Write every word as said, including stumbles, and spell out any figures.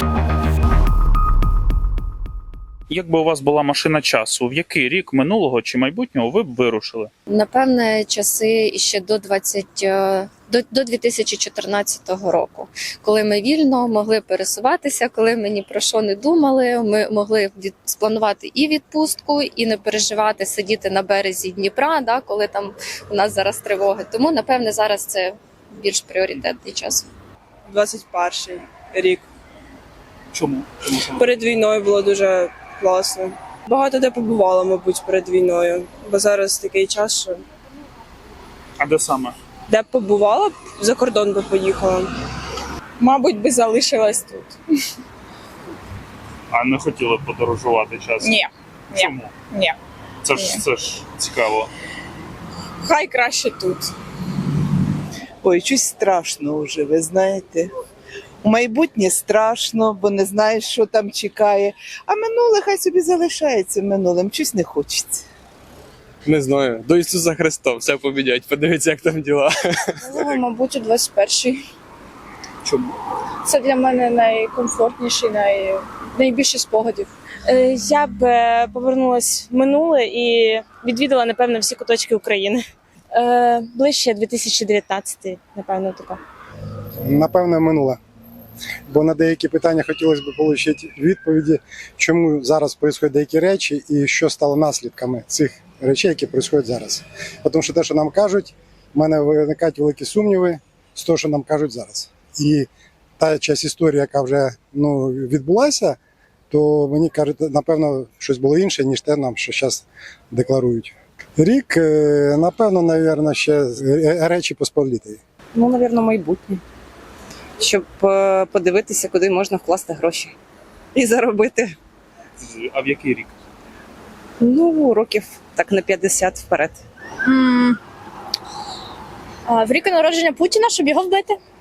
Якби у вас була машина часу, в який рік минулого чи майбутнього ви б вирушили? Напевне, часи іще до двадцять до, до дві тисячі чотирнадцятого року, коли ми вільно могли пересуватися, коли ми ні про що не думали, ми могли від, спланувати і відпустку, і не переживати, сидіти на березі Дніпра, да, коли там у нас зараз тривоги. Тому, напевне, зараз це більш пріоритетний час. двадцять перший рік. Чому? Чому саме? Перед війною було дуже класно. Багато де побувала, мабуть, перед війною, бо зараз такий час, що А де саме? де б побувала, за кордон би поїхала. Мабуть, би залишилась тут. А не хотіли б подорожувати час? Ні, ні, Чому? ні. Це ж, Ні. це ж цікаво. Хай краще тут. Ой, щось страшно вже, ви знаєте. У майбутнє страшно, бо не знаєш, що там чекає. А минуле хай собі залишається минулим, щось не хочеться. Не знаю. До Ісуса Христа все помінять, подивіться, як там діла. Ну, мабуть, у двадцять перший. Чому? Це для мене найкомфортніший, най... найбільше спогадів. Е, Я б е, повернулась в минуле і відвідала, напевно, всі куточки України. Е, Ближче дві тисячі дев'ятнадцятий, напевно, тако. Напевне, минуле. Бо на деякі питання хотілося б отримати відповіді, чому зараз відбуваються деякі речі і що стало наслідками цих речей, які відбуваються зараз. Тому що те, що нам кажуть, в мене виникають великі сумніви з того, що нам кажуть зараз. І та частина історії, яка вже ну, відбулася, то мені кажуть, напевно, щось було інше, ніж те нам, що зараз декларують. Рік, е, напевно, навірно, ще Речі Посполитої. Ну, напевно, майбутнє. Щоб е, подивитися, куди можна вкласти гроші і заробити. А в який рік? Ну, років так на п'ятдесят вперед. М. А, В рік народження Путіна, щоб його вбити.